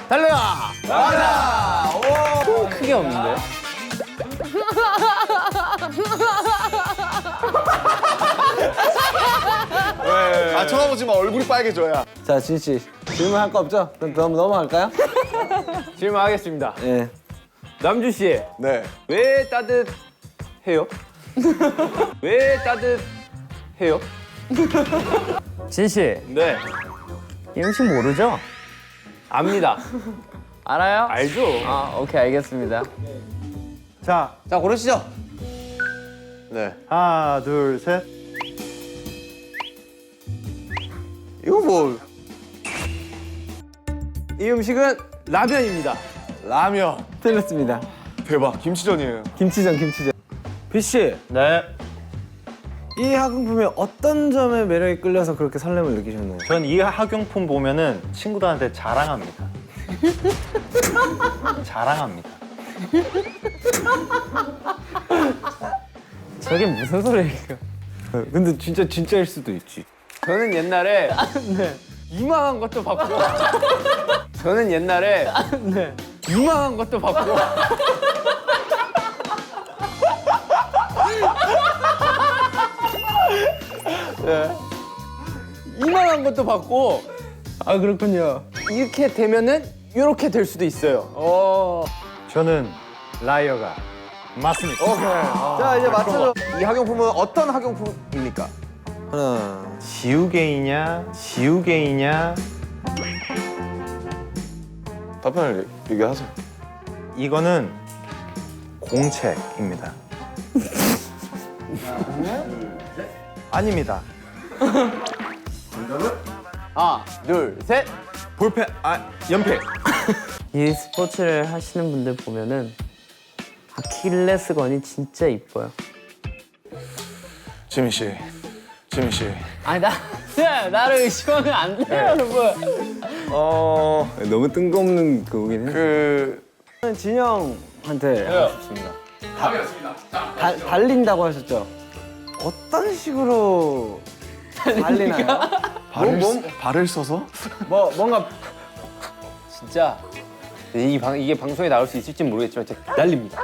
달려라. 맞아. 오. 크게 없는데? 아 쳐다보지 마. 얼굴이 빨개져야. 자, 진 씨. 질문할 거 없죠? 그럼 넘어갈까요? 질문하겠습니다. 예. 남주 씨, 네. 왜 따뜻해요? 왜 따뜻해요? 진 씨, 네, 이 음식 모르죠? 압니다. 알아요? 알죠? 아, 오케이, 알겠습니다. 자, 자 고르시죠. 네. 하나, 둘, 셋. 이거 뭐 이 음식은 라면입니다. 라면. 틀렸습니다. 대박. 김치전이에요. 김치전. 비 씨. 네. 이 학용품의 어떤 점에 매력에 끌려서 그렇게 설렘을 느끼셨나요? 전 이 학용품 보면은 친구들한테 자랑합니다. 자랑합니다. 저게 무슨 소리예요? 근데 진짜일 수도 있지. 저는 옛날에 이만한 것도 받고 저는 옛날에 이만한 것도 받고 이만한 것도 받고 아, 그렇군요. 이렇게 되면은 이렇게 될 수도 있어요. 저는 라이어가 맞습니다. 자 이제 맞춰줘. 이 학용품은 어떤 학용품입니까? 하나. 지우개이냐, 지우개이냐. 답변을 얘기하세요. 이거는 공책입니다. 아닙니다. 하나, 둘, 셋. 볼펜, 연필. 이 스포츠를 하시는 분들 보면은 아킬레스건이 진짜 이뻐요. 지민 씨. 아니, 나를 의심하면 안 돼요, 여러분. 너무 뜬금없는 그거긴 해. 그 진영한테 하고 싶습니다. 달린다고 하셨죠? 어떤 식으로 달리나요? 발을 써서? 뭔가 진짜 이게 방송에 나올 수 있을지 모르겠지만 진짜 날립니다.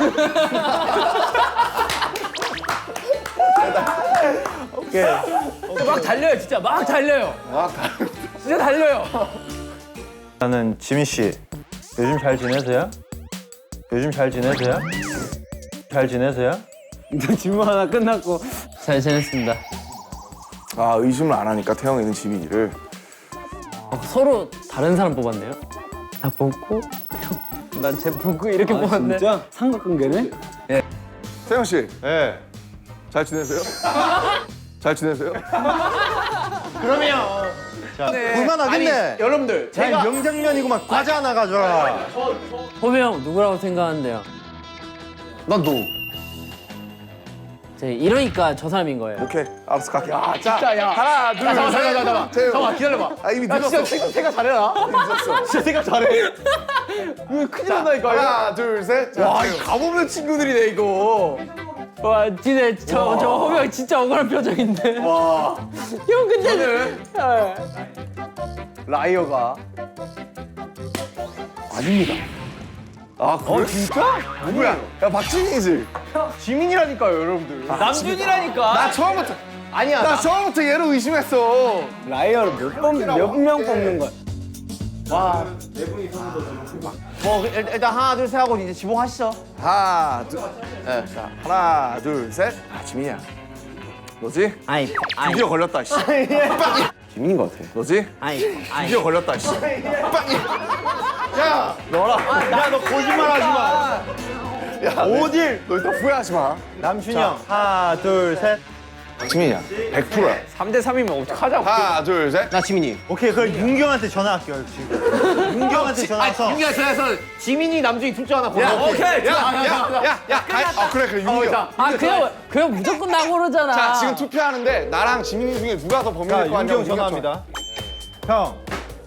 막 달려요, 진짜 막 달려요. 진짜 달려요. 나는 지민 씨, 요즘 잘 지내세요? 요즘 잘 지내세요? 잘 지내세요? 질문 하나 끝났고 잘 지냈습니다. 아 의심을 안 하니까 태영이는 지민이를. 서로 다른 사람 뽑았네요. 나 뽑고, 난 쟤 뽑고 이렇게 뽑았네. 진짜 삼각관계네? 태영 씨. 네. 잘 지내세요? 잘 지내세요? 볼만하겠네. 여러분들 제가 명장면이구만. 과자 하나 가져라. 호비 형 누구라고 생각하는데요? 난 너. 이러니까 저 사람인 거예요. 오케이 알았어 갈게. 진짜 야. 하나 둘 셋. 잠깐만. 태영. 잠깐만 기다려봐. 아 이미 나 늦었어. 진짜 생각 잘해라. 진짜 생각 잘해. 이거 큰일 난다니까. 하나 둘 셋. 와, 이거 가보는 친구들이네 이거. 와, 진짜 저 호비 형 진짜 억울한 표정인데. 와. 형 근데 라이어가 아닙니다. 아 그래? 진짜? 누구야? 야 박진희지. 지민이라니까요, 여러분들. 남준이라니까. 나 처음부터 아니야. 나 처음부터 얘를 의심했어. 라이어를 몇 명 뽑는 거야? 뭐 일단 하나 둘 셋 하고 이제 지목하시죠. 하나 둘. 네, 자 하나 둘 셋. 아 지민이야. 너지? 아이 드디어 걸렸다 씨. 빵이. 지민인 것 같아. 너지? 아이 드디어 걸렸다 씨. 빵이. 야 야, 너 거짓말 하지 마. 야, 오딜. 너 일단 후회하지 마. 남준이 형. 하나, 둘, 셋. 지민이야. 100%야. 3대 3이면 어떡하자고. 하나 둘 셋. 나 지민이. 오케이, 그럼 윤경한테 전화할게요, 지금. 윤경한테 전화해서. 윤기가 전화해서 지민이 남준이 둘 중 하나 골라. 오케이. 야. 그래 윤기야. 그냥 무조건 나 고르잖아. 자 지금 투표하는데 나랑 지민이 중에 누가 더 자, 범인일 거 아니야? 윤경 전화합니다. 형.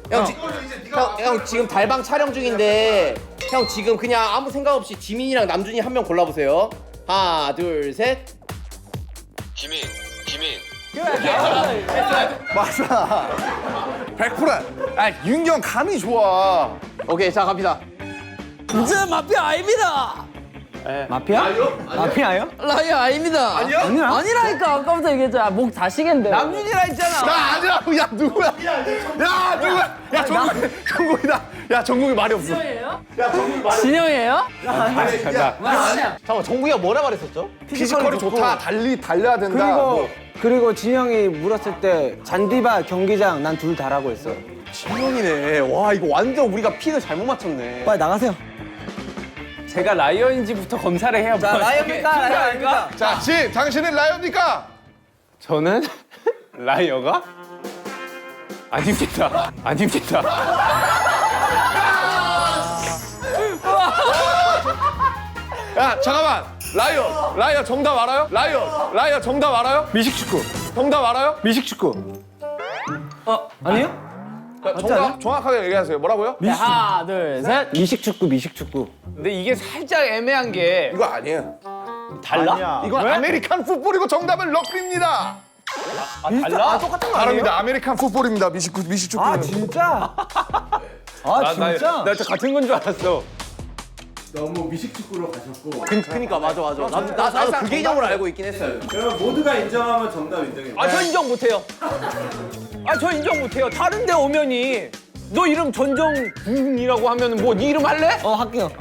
형 지금 달방 촬영 중인데 형 지금 그냥 아무 생각 없이 지민이랑 남준이 한 명 골라보세요. 하나 둘 셋. 맞아. 100%야. 아, 윤경 감이 좋아. 오케이, 자 갑니다. 이제 마피아 아닙니다. 마피아? 마피아요? 라이어 아닙니다. 아니야? 아니라니까 아까부터 얘기했잖아. 목 다시겠는데. 남준이라 했잖아. 나 아니라고. 야, 누구야? 야, 누구야? 야, 정국이다. 야, 정국이 말이 없어. 진영이에요? 잠깐만, 정국이가 뭐라 말했었죠? 피지컬이 좋다. 달려야 된다. 그리고 진영이 물었을 때 잔디바 경기장 난 둘 다라고 했어. 진영이네. 와, 이거 완전 우리가 픽을 잘못 맞췄네. 빨리 나가세요. 제가 라이어인지부터 검사를 해야 자, 라이어입니까? 라이어입니까? 자, 집, 당신은 라이언입니까? 저는 라이어가 아닙니다. 아닙니다. 야, 잠깐만. 라이어 정답 알아요? 라이어 정답 알아요? 미식축구. 정답 알아요? 미식축구. 아니요? 정답 정확하게 얘기하세요. 뭐라고요? 하나, 둘, 셋. 미식축구. 근데 이게 살짝 애매한 게 이거 아니에요. 아니야. 이건 아메리칸 풋볼이고 정답은 럭비입니다. 달라? 똑같은 다릅니다. 아메리칸 풋볼입니다. 미식축구. 아 진짜? 아 진짜? 나 진짜 같은 건 줄 알았어. 그니까 맞아. 나도 그 개념으로 알고 있긴 했어요. 아, 저 인정 못해요. 저 인정 못해요. 다른 데 오면이 너 이름 전정군이라고 하면 뭐 네 이름 할래? 할게요.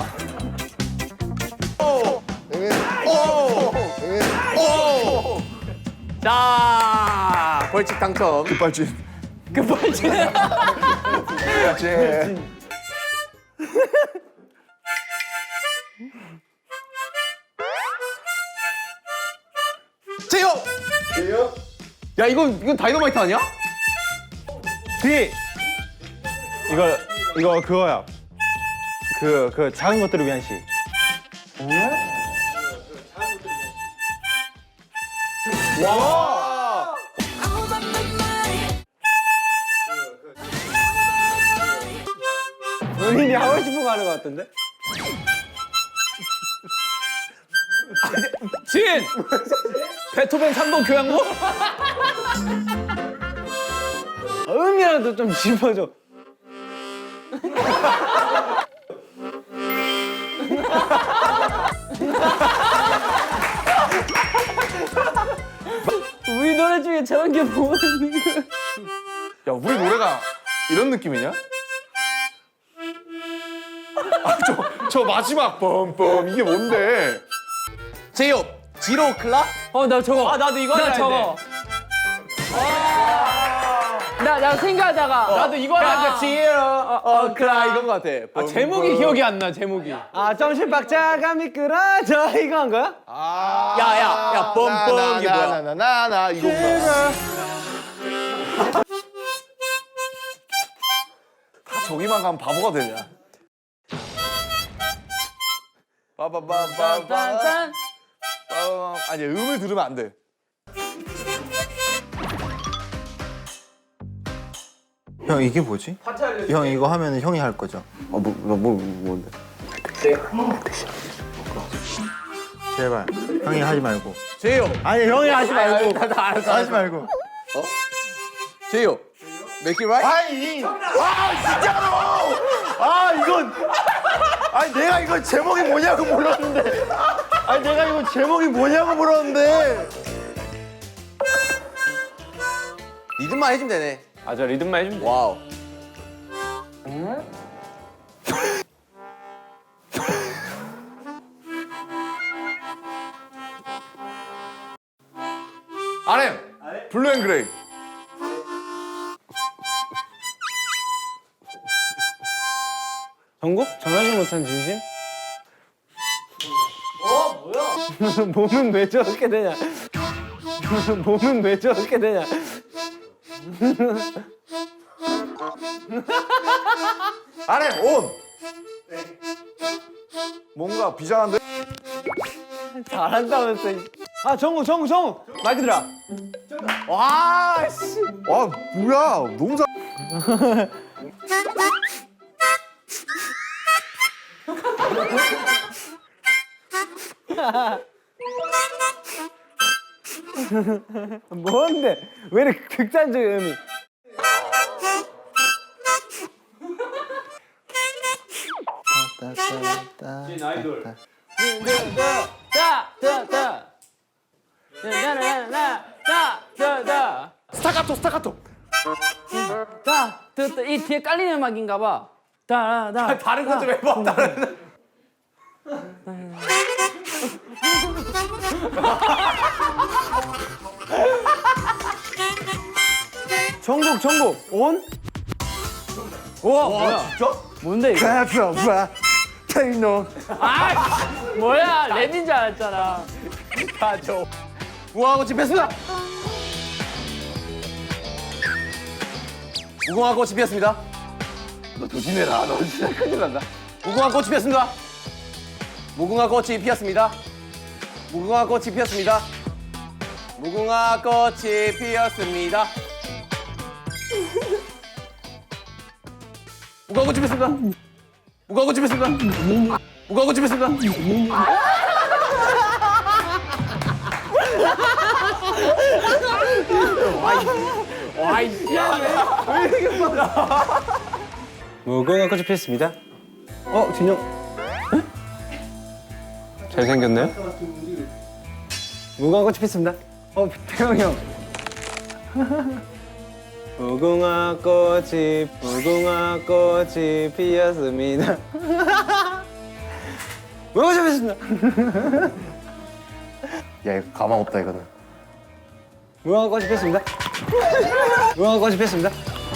자, 벌칙 당첨. 급발진. 급발진. 제요. 야, 이건 다이너마이트 아니야? D. 이거 그거야. 그 작은 것들을 위한 시. 본인이 하고 싶은 거 하는 거 같은데? 진! 베토벤 3번 교향곡? 음이라도 좀 짚어줘. 우리 노래 중에 저런 게 뭐가 있는 거야? 야, 우리 노래가 이런 느낌이냐? 아, 저 마지막 뻔뻔 이게 뭔데? 제요. 지로 클라? 나 저거. 나도 이거 나 하려 저거. 나 생각하다가 나도 이거 하려고 지로 클라 이건 것 같아. 제목이 기억이 안 나, 제목이. 정신박자가 미끄러져 이거 한 거야? 야, 뻔뻔 이게 뭐야? 나나나나 이거구나. 다 저기만 가면 바보가 되냐? 빠바바바바. 짠. 아니, 음을 들으면 안 돼. 형 이게 뭐지? 형 이거 하면 형이 할 거죠? 뭔데? 제발 형이 하지 말고. 제요. 아니 형이 하지 말고. 나 알았어. 하지 말고. 제요. Make it right? 아니. 진짜로. 이건. 아니 내가 이거 제목이 뭐냐고 물었는데. 아니 내가 이거 제목이 뭐냐고 물었는데. 리듬만 해주면 되네. 저 리듬만 해주면 돼. 와우. RM. 블루 앤 그레이. 전국? 전하지 못한 진심? 뭐야? 몸은 왜 저렇게 되냐? 몸은 왜 저렇게 되냐? RM 온. 뭔가 비장한데? 잘한다면서. 정우. 마이크 들어. 와, 씨. 와, 뭐야? 너무 잘. 뭔데? 왜 이렇게 극단적인 의미? 스타카토. 이 뒤에 깔리는 음악인가 봐. 다른 거 좀 해봐. 다른. 정국 온? 우와 뭐야? 진짜? 뭔데 이거? 가져봐. 테이노. 아 뭐야 랩인 줄 알았잖아. 무궁화꽃 피었습니다. 무궁화꽃이 피었습니다. 너 조심해라. 너 진짜 큰일 난다. 무궁화꽃이 피었습니다. 무궁화꽃이 피었습니다. 무궁화꽃이 피었습니다. 무궁화꽃이 피었습니다. 무궁화꽃이 피었습니다. 무궁화꽃이 피었습니다. 무궁화꽃이 피었습니다. 무궁화꽃이 피었습니다. 진영. 잘생겼나요? 무궁화꽃이 피었습니다. 태영이 형. 무궁화꽃이 피었습니다. 무궁화꽃이 피었습니다. 야 이거 가망 없다 이거는. 무궁화꽃이 피었습니다. 무궁화꽃이 피었습니다.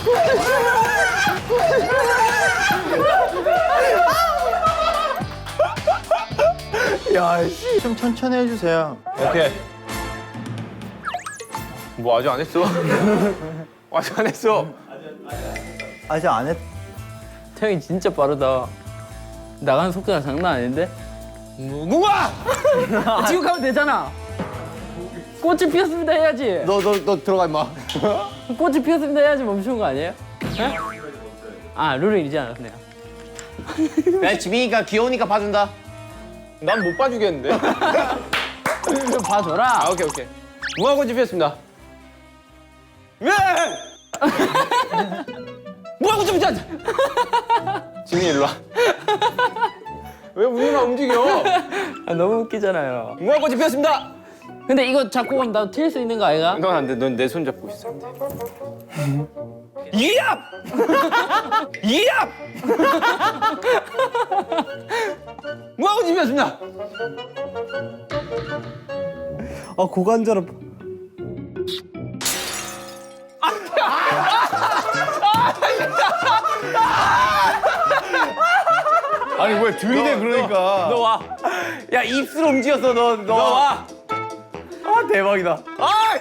좀 천천히 해주세요. 오케이. 뭐 아직 안 했어? 아직 안 했어. 아직 안 했. 태형이 진짜 빠르다. 나가는 속도가 장난 아닌데? 무궁화! 지금 가면 되잖아. 꽃이 피었습니다 해야지. 너 들어가 임마. 꽃이 피었습니다 해야지 멈추는 거 아니에요? 네? 아 룰을 잊지 않았네요. 야 지민이가 귀여우니까 봐준다. 난 못 봐주겠는데. 좀 봐줘라. 아 오케이. 무궁화꽃이 피었습니다. 왜? 무궁화꽃이 피었. 지민이 일로 와. 왜 우리만 움직여? 아, 너무 웃기잖아요. 무궁화꽃이 피었습니다. 근데 이거 잡고 가면 나도 튈 수 있는 거 아이가? 넌 안 돼. 넌 내 손 잡고 있어. 이압! 이압! 무궁화꽃이 피었습니다. 아 고관절은. 아니 왜 들이대 그러니까. 너 와. 야 입술 움직였어 너. 너 와. 아 대박이다. 아!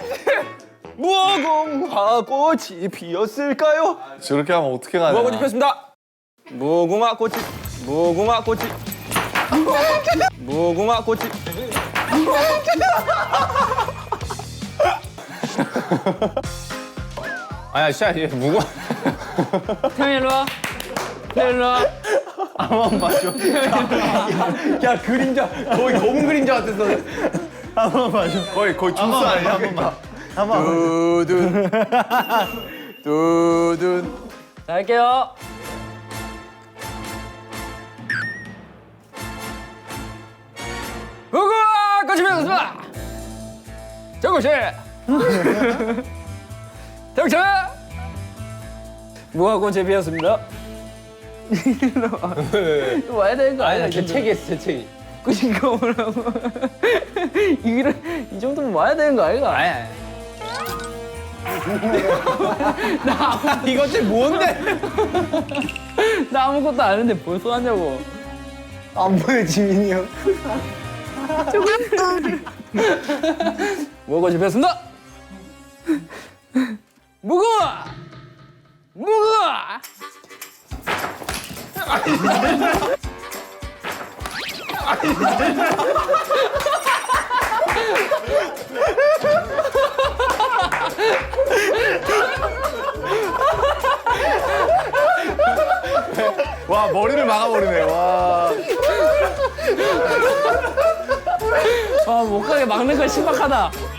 무궁화꽃이 피었을까요? 저렇게 하면 어떻게 가냐. 무궁화꽃이 피었습니다. 무궁화꽃이 아야 진짜 얘 무궁화 태형이 일로 와. 태형이 일로 와. 야 그림자 거의 검은 그림자 같았어. 거의 조스 아니야? 한 번만. 두둔. 자 할게요. 무궁화꽃이 피었습니다. 정국씨. 정국씨. 무궁화꽃이 피었습니다. 이거 와야 되는 거 아니야? 재채기했어 재채기. 그니까 뭐라고. 이 정도면 와야 되는 거 아이가? 이것이 뭔데? 나 아무것도 안 했는데 벌써 하냐고. 안 보여 지민이 형. 무궁화꽃이 피었습니다. 무궁화! 무궁화! 와 머리를 막아버리네. 와. 아, 못 가게 막는 건 신박하다.